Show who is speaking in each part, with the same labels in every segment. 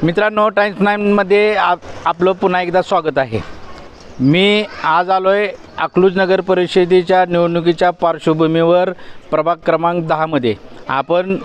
Speaker 1: मित्रांनो, टाइम्स 9मध्ये आपलं पुन्हा एकदा स्वागत आहे। मी आज आलो आहे अकलूज नगर परिषदेच्या निवडणुकीच्या पार्श्वभूमीवर प्रभाग क्रमांक 10मध्ये। आपण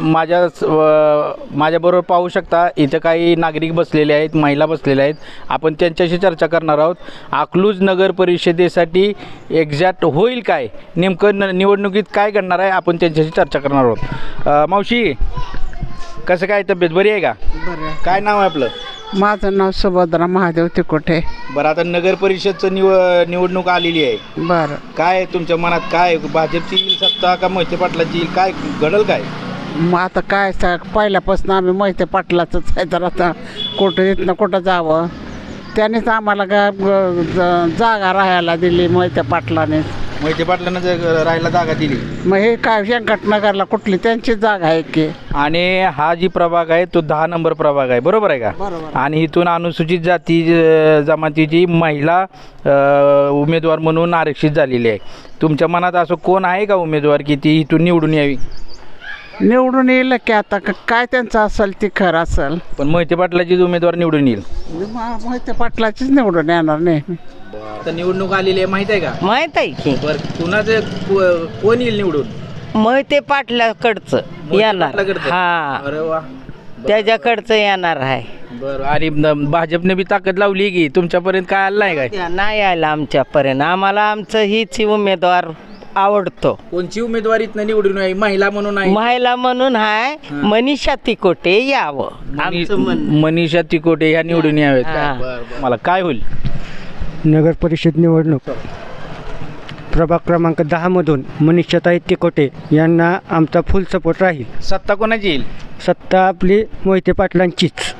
Speaker 1: माझ्याबरोबर पाहू शकता, इथं काही नागरिक बसलेले आहेत, महिला बसलेल्या आहेत। आपण त्यांच्याशी चर्चा करणार आहोत। अकलूज नगर परिषदेसाठी एक्झॅक्ट होईल काय, नेमकं निवडणुकीत काय घडणार आहे, आपण त्यांच्याशी चर्चा करणार आहोत। मावशी, कसं काय, तब्येत बरी आहे का?
Speaker 2: बरं.
Speaker 1: काय नाव आहे आपलं?
Speaker 2: माझं नाव सुभद्रा महादेव तिकोटे.
Speaker 1: बरं, आता नगर परिषदचं निवडणूक आलेली आहे।
Speaker 2: बरं.
Speaker 1: काय तुमच्या मनात, काय भाजपची येईल सत्ता का मोहिते पाटलाची येईल, काय घडल काय?
Speaker 2: मग आता काय पहिल्यापासून आम्ही मोहिते पाटलाचंच आहे, तर आता कुठं इथनं कुठं जावं, त्यानेच आम्हाला जागा राहायला दिली मोहिते पाटलाने.
Speaker 1: मोहिते पाटलानं राहायला जागा दिली,
Speaker 2: मग हे काय व्यंकटनगरला कुठली त्यांची जागा आहे की?
Speaker 1: आणि हा जी प्रभाग आहे तो 10 नंबर प्रभाग आहे, बरोबर आहे का?
Speaker 2: बरोबर.
Speaker 1: आणि इथून अनुसूचित जाती जमातीची महिला उमेदवार म्हणून आरक्षित झालेली आहे। तुमच्या मनात असं कोण आहे का उमेदवार की ती इथून निवडून यावी?
Speaker 2: निवडून येईल की आता काय त्यांचं असेल ती खरं असेल,
Speaker 1: पण मोहिते पाटलाचीच उमेदवार निवडून येईल।
Speaker 2: मोहिते पाटलाचीच निवडून येणार नाही.
Speaker 1: आता निवडणूक आलेली आहे, माहित आहे का?
Speaker 3: माहित आहे की
Speaker 1: बरं, कुणाचं कोण येईल निवडून?
Speaker 3: मोहिते पाटलाकडचं येणार.
Speaker 1: पाटलाकडचं?
Speaker 3: हा,
Speaker 1: अरे वा,
Speaker 3: त्याच्याकडचं येणार आहे.
Speaker 1: बरं. आणि भाजपने बी ताकद लावली की तुमच्यापर्यंत काय आलं नाही काय?
Speaker 3: नाही आलं आमच्यापर्यंत. आम्हाला आमचं हीच उमेदवार आवडतो.
Speaker 1: कोणची उमेदवारीतनं निवडून यावी? महिला म्हणून आहे,
Speaker 3: महिला म्हणून आहे मनीषा तिकोटे यावं आमचं म्हणणं.
Speaker 1: मनीषा तिकोटे ह्या निवडून यावेत का?
Speaker 3: हा.
Speaker 1: बरं. मला काय होईल?
Speaker 4: नगर परिषद निवडणूक प्रभाग क्रमांक 10मधून मनीषाताई तिकोटे यांना आमचा फुल सपोर्ट राहील.
Speaker 1: सत्ता कोणाची येईल?
Speaker 4: सत्ता आपली मोहिते पाटलांचीच.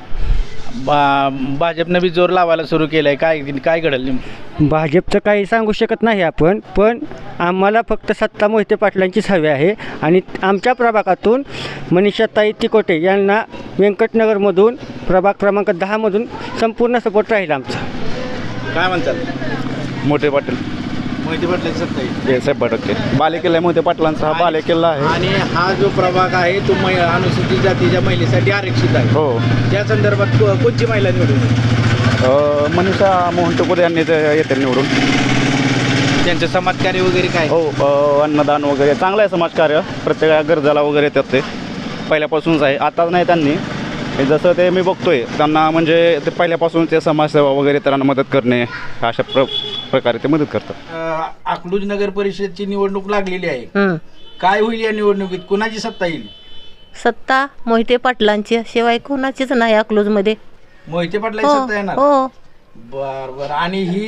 Speaker 1: भाजपनं बी जोर लावायला सुरू केलाय, काय घडेल नेमकं?
Speaker 4: भाजपचं काही सांगू शकत नाही आपण, पण आम्हाला फक्त सत्ता मोहिते पाटलांचीच हवी आहे. आणि आमच्या प्रभागातून मनीषाताई तिकोटे यांना व्यंकटनगरमधून प्रभाग क्रमांक 10मधून संपूर्ण सपोर्ट राहील आमचा.
Speaker 1: काय म्हणतात?
Speaker 5: मोठे पाटील
Speaker 1: मोहिते पाटलाची सत्ता येईल?
Speaker 5: 100% बालेकिल्ला आहे मोठे पाटलांचा, हा बालेकिल्ला आहे.
Speaker 1: आणि हा जो प्रभाग आहे तो अनुसूचित जातीच्या महिलेसाठी आरक्षित आहे।
Speaker 5: हो,
Speaker 1: त्या संदर्भात कोणची महिला निवडून येईल?
Speaker 5: मनीषा मोहन टोकोरे यांनी येते निवडून.
Speaker 1: त्यांचं समाजकार्य वगैरे काय?
Speaker 5: हो, अन्नदान वगैरे चांगलं आहे समाजकार्य, प्रत्येक गरजाला वगैरे येतात, ते पहिल्यापासूनच आहे, आताच नाही त्यांनी. जसं ते मी बघतोय त्यांना, म्हणजे ते पहिल्यापासून ते समाजसेवा वगैरे त्यांना मदत करणे, अशा प्रकारे ते मदत करतात.
Speaker 1: अकलूज नगर परिषदची निवडणूक लागलेली आहे, काय होईल या निवडणुकीत? कुणाची सत्ता येईल?
Speaker 6: सत्ता मोहिते पाटलांची, शिवाय कोणाचीच नाही अकलूजमध्ये.
Speaker 1: मोहिते पाटलाची सत्ता येणार?
Speaker 6: हो.
Speaker 1: बर बर. आणि ही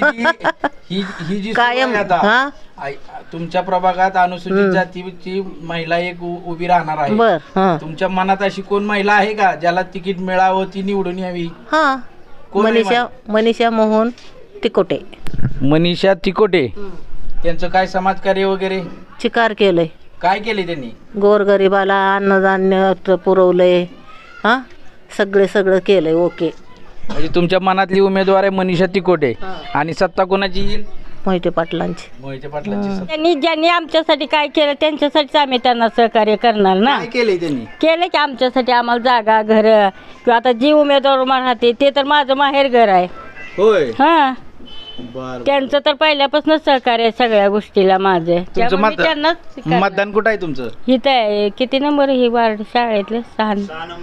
Speaker 1: जी
Speaker 6: कायम,
Speaker 1: सुरू आहे
Speaker 6: हा?
Speaker 1: आता तुमच्या प्रभागात अनुसूचित जातीची महिला एक उभी राहणार आहे,
Speaker 6: बर. हा.
Speaker 1: तुमच्या मनात अशी कोण महिला आहे का ज्याला तिकीट मिळावं, ती निवडून यावी?
Speaker 6: हा,
Speaker 1: कोण आहे
Speaker 6: मनीषा मोहन तिकोटे.
Speaker 1: मनीषा तिकोटे. त्यांचं काय समाजकार्य वगैरे
Speaker 6: चिकार केलंय,
Speaker 1: काय केले त्यांनी?
Speaker 6: गोरगरिबाला अन्नधान्य पुरवलंय, हा, सगळं केलंय. ओके.
Speaker 1: म्हणजे तुमच्या मनातली उमेदवार आहे मनीषा तिकोटे, आणि सत्ता कोणाची येईल?
Speaker 6: मोहिते पाटलांची.
Speaker 1: मोहिते पाटलाची सत्ता.
Speaker 7: ज्यांनी आमच्यासाठी काय केलं त्यांच्यासाठीच आम्ही त्यांना सहकार्य करणार ना.
Speaker 1: काय केलंय त्यांनी?
Speaker 7: केलं की आमच्यासाठी, आम्हाला जागा, घर, किंवा आता जी उमेदवार राहते ते तर माझं माहेर घर आहे.
Speaker 1: होय.
Speaker 7: हा,
Speaker 1: बर.
Speaker 7: त्यांचं तर पहिल्यापासून सहकार्य आहे सगळ्या गोष्टीला माझं.
Speaker 1: तुमचं
Speaker 7: त्यांनाच
Speaker 1: मतदान कुठं आहे तुमचं?
Speaker 7: इथं आहे. किती नंबर ही वार्ड शाळेतले? 6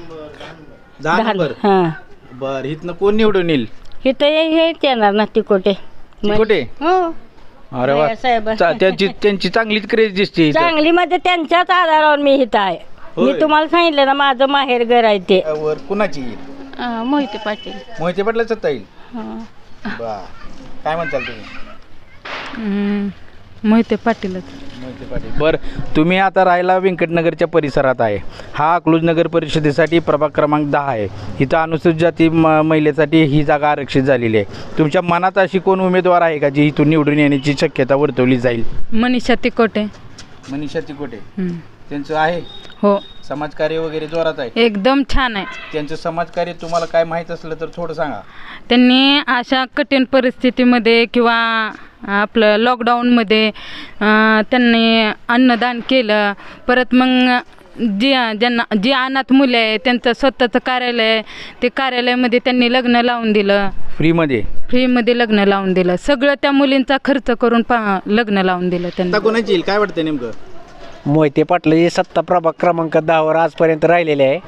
Speaker 1: नंबर.
Speaker 7: हा,
Speaker 1: बर. इथनं कोण निवडून येईल?
Speaker 7: इथं हेच येणार ना तिकोटे.
Speaker 1: तिकोटे?
Speaker 7: हो.
Speaker 1: अरे वा,
Speaker 7: साहेब
Speaker 1: त्यांची चांगलीच क्रेज दिसते इथं.
Speaker 7: चांगली म्हणजे त्यांच्याच आधारावर मी इथं आहे.
Speaker 1: होय.
Speaker 7: मी तुम्हाला सांगितलं ना माझं माहेर घर आहे ते.
Speaker 1: वर कुणाची येईल?
Speaker 7: मोहिते पाटील.
Speaker 1: मोहिते पाटला सत्ता येईल? बर. काय म्हणताल तुम्ही?
Speaker 8: मोहिते पाटीलच.
Speaker 1: मोहिते पाटील. बरं, तुम्ही आता राहायला व्यंकटनगरच्या परिसरात आहे. हा अकलूज नगर परिषदेसाठी प्रभाग क्रमांक 10 आहे. इथं अनुसूचित जाती महिलेसाठी ही जागा आरक्षित झालेली आहे. तुमच्या मनात अशी कोण उमेदवार आहे का जी इथून निवडून येण्याची शक्यता वर्तवली जाईल?
Speaker 8: मनीषा तिकोटे.
Speaker 1: मनीषा तिकोटे. त्यांचं आहे?
Speaker 8: हो.
Speaker 1: समाजकार्य वगैरे जोरात आहे?
Speaker 8: एकदम छान आहे.
Speaker 1: त्यांचं समाजकार्य तुम्हाला काय माहीत असलं तर थोडं सांगा.
Speaker 8: त्यांनी अशा कठीण परिस्थितीमध्ये किंवा आपलं लॉकडाऊनमध्ये त्यांनी अन्नदान केलं. परत मग जी अनाथ मुले आहे त्यांचं स्वतःचं कार्यालय आहे, ते कार्यालयामध्ये त्यांनी लग्न लावून दिलं, फ्रीमध्ये लग्न लावून दिलं. सगळं त्या मुलींचा खर्च करून लग्न लावून दिलं त्यांनी.
Speaker 1: आता कोणाची येईल काय वाटतं नेमकं?
Speaker 4: मोहिते पाटलाची सत्ता प्रभाग क्रमांक 10वर आजपर्यंत राहिलेली आहे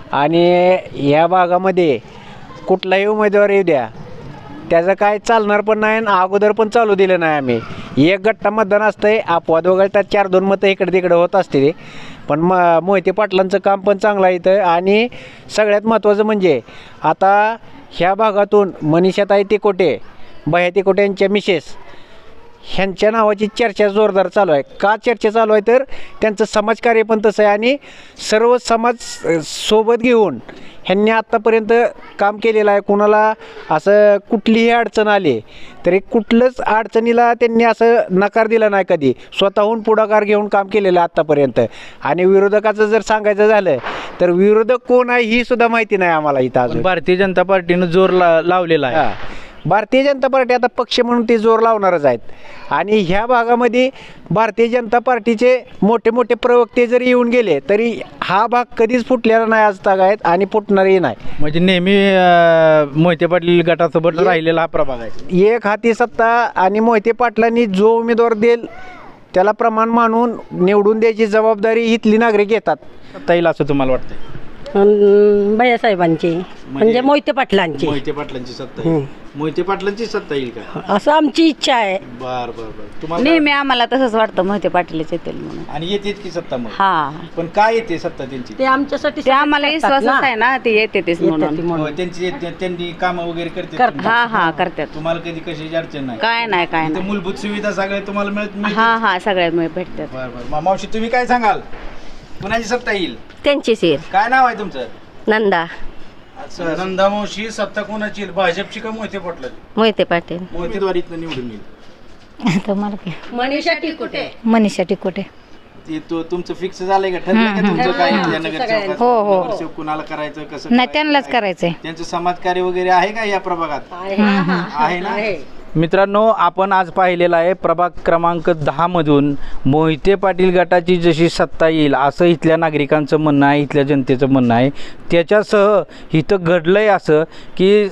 Speaker 4: आणि या भागामध्ये कुठलाही उमेदवार येऊ द्या त्याचं काय चालणार पण नाही आणि अगोदर पण चालू दिलं नाही आम्ही. एक गट्टा मतदान असतंय, अपवाद वगळतात 4-2 मतं इकडे तिकडे होत असते. पण मोहिते पाटलांचं काम पण चांगलं आहे इथं. आणि सगळ्यात महत्त्वाचं म्हणजे आता ह्या भागातून मनीषाताई तिकोटे, भैया तिकोटे यांच्या मिसेस ह्यांच्या नावाची चर्चा जोरदार चालू आहे. का चर्चा चालू आहे तर त्यांचं समाजकार्य पण तसं आहे आणि सर्व समाज सोबत घेऊन ह्यांनी आत्तापर्यंत काम केलेलं आहे. कुणाला असं कुठलीही अडचण आली तरी कुठलंच अडचणीला त्यांनी असं नकार दिला नाही कधी. स्वतःहून पुढाकार घेऊन काम केलेलं आहे आत्तापर्यंत. आणि विरोधकाचं जर सांगायचं झालं तर विरोधक कोण आहे ही सुद्धा माहिती नाही आम्हाला इथं अजून.
Speaker 1: भारतीय जनता पार्टीनं जोर लावलेला आहे.
Speaker 4: भारतीय जनता पार्टी आता पक्ष म्हणून ते जोर लावणारच आहेत. आणि ह्या भागामध्ये भारतीय जनता पार्टीचे मोठे मोठे प्रवक्ते जरी येऊन गेले तरी हा भाग कधीच फुटलेला नाही आज तागायत आणि फुटणारही नाही.
Speaker 1: म्हणजे नेहमी मोहिते पाटील गटासोबत राहिलेला हा प्रभाग आहे.
Speaker 4: एक हाती सत्ता आणि मोहिते पाटलांनी जो उमेदवार देईल त्याला प्रमाण मानून निवडून द्यायची जबाबदारी इथली नागरिक घेतात.
Speaker 1: सत्ता येईल असं तुम्हाला वाटतं?
Speaker 3: भैयासाहेबांची म्हणजे मोहिते पाटलांची.
Speaker 1: मोहिते पाटलांची सत्ता येईल. मोहिते पाटलांची सत्ता येईल का
Speaker 3: असं आमची इच्छा आहे.
Speaker 1: बर बर बर. तुम्हाला
Speaker 9: नेहमी आम्हाला तसंच वाटतं मोहिते पाटीलच येतील म्हणून.
Speaker 1: आणि येतेच की सत्ता मग?
Speaker 9: हा,
Speaker 1: पण काय येते सत्ता त्यांची?
Speaker 3: ते आमच्यासाठी
Speaker 9: ते आम्हाला विश्वासच आहे ना, ते येतेच म्हणून.
Speaker 1: हो, त्यांनी कामं वगैरे करते.
Speaker 9: हा हा करतात.
Speaker 1: तुम्हाला कधी कशाची अडचण नाही?
Speaker 9: काय नाही काय
Speaker 1: इथे
Speaker 9: नाही.
Speaker 1: मूलभूत सुविधा सगळ्या तुम्हाला मिळत?
Speaker 9: हा हा सगळ्या भेटतात.
Speaker 1: बर बर. मावशी तुम्ही काय सांगाल? कुणाची सत्ता येईल?
Speaker 6: त्यांचीच येईल.
Speaker 1: काय नाव आहे तुमचं?
Speaker 6: नंदा
Speaker 1: नंदा मावशी, सत्ता कोणाची येईल? भाजपची का मोहिते पाटलाची?
Speaker 6: मोहिते पाटील.
Speaker 1: मोहितेद्वारीतनं निवडून येईल.
Speaker 7: तुम्हाला काय?
Speaker 3: मनीषा टिकोटे.
Speaker 7: मनीषा टिकोटे.
Speaker 1: ते तुमचं फिक्स झालंय का? ठरलंय का तुमचं काय नगरसेवक?
Speaker 7: हो, हो.
Speaker 1: नगरसेवक कुणाला करायचं, कसं
Speaker 7: नाही
Speaker 1: करायचं?
Speaker 7: त्यांनाच करायचंय.
Speaker 1: त्यांचं समाजकार्य वगैरे आहे का या प्रभागात? आहे ना? मित्रांनो, आपण आज पाहिलेलं आहे प्रभाग क्रमांक 10 मधून मोहिते पाटील गटाची जशी सत्ता येईल असं इथल्या नागरिकांचं म्हणणं आहे, इथल्या जनतेचं म्हणणं आहे. त्याच्यासह इथं घडलंय असं की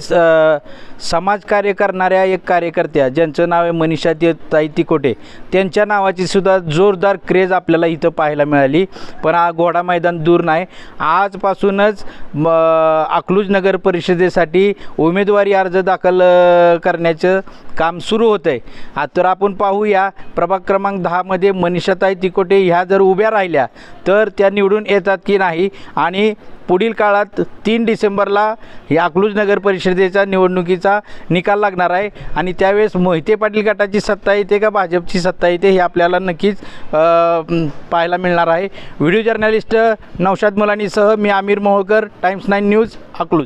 Speaker 1: समाजकार्य करणाऱ्या एक कार्यकर्त्या ज्यांचं नाव आहे मनीषा ताई तिकोटे, त्यांच्या नावाची सुद्धा जोरदार क्रेज आपल्याला इथं पाहायला मिळाली. पण हा घोडा मैदान दूर नाही. आजपासूनच अकलूज नगर परिषदेसाठी उमेदवारी अर्ज दाखल करण्याचं काम सुरू होतं आहे. तर आपण पाहूया प्रभाग क्रमांक 10मध्ये मनीषाताई तिकोटे ह्या जर उभ्या राहिल्या तर त्या निवडून येतात की नाही. आणि पुढील काळात 3 डिसेंबरला या अकलूज नगर परिषदेच्या निवडणुकीचा निकाल लागणार आहे आणि त्यावेळेस मोहिते पाटील गटाची सत्ता येते का भाजपची सत्ता येते हे आपल्याला नक्कीच पाहायला मिळणार आहे. व्हिडिओ जर्नलिस्ट नौशाद मुलानीसह मी आमिर मोहोळकर, टाइम्स 9 न्यूज, अकलूज.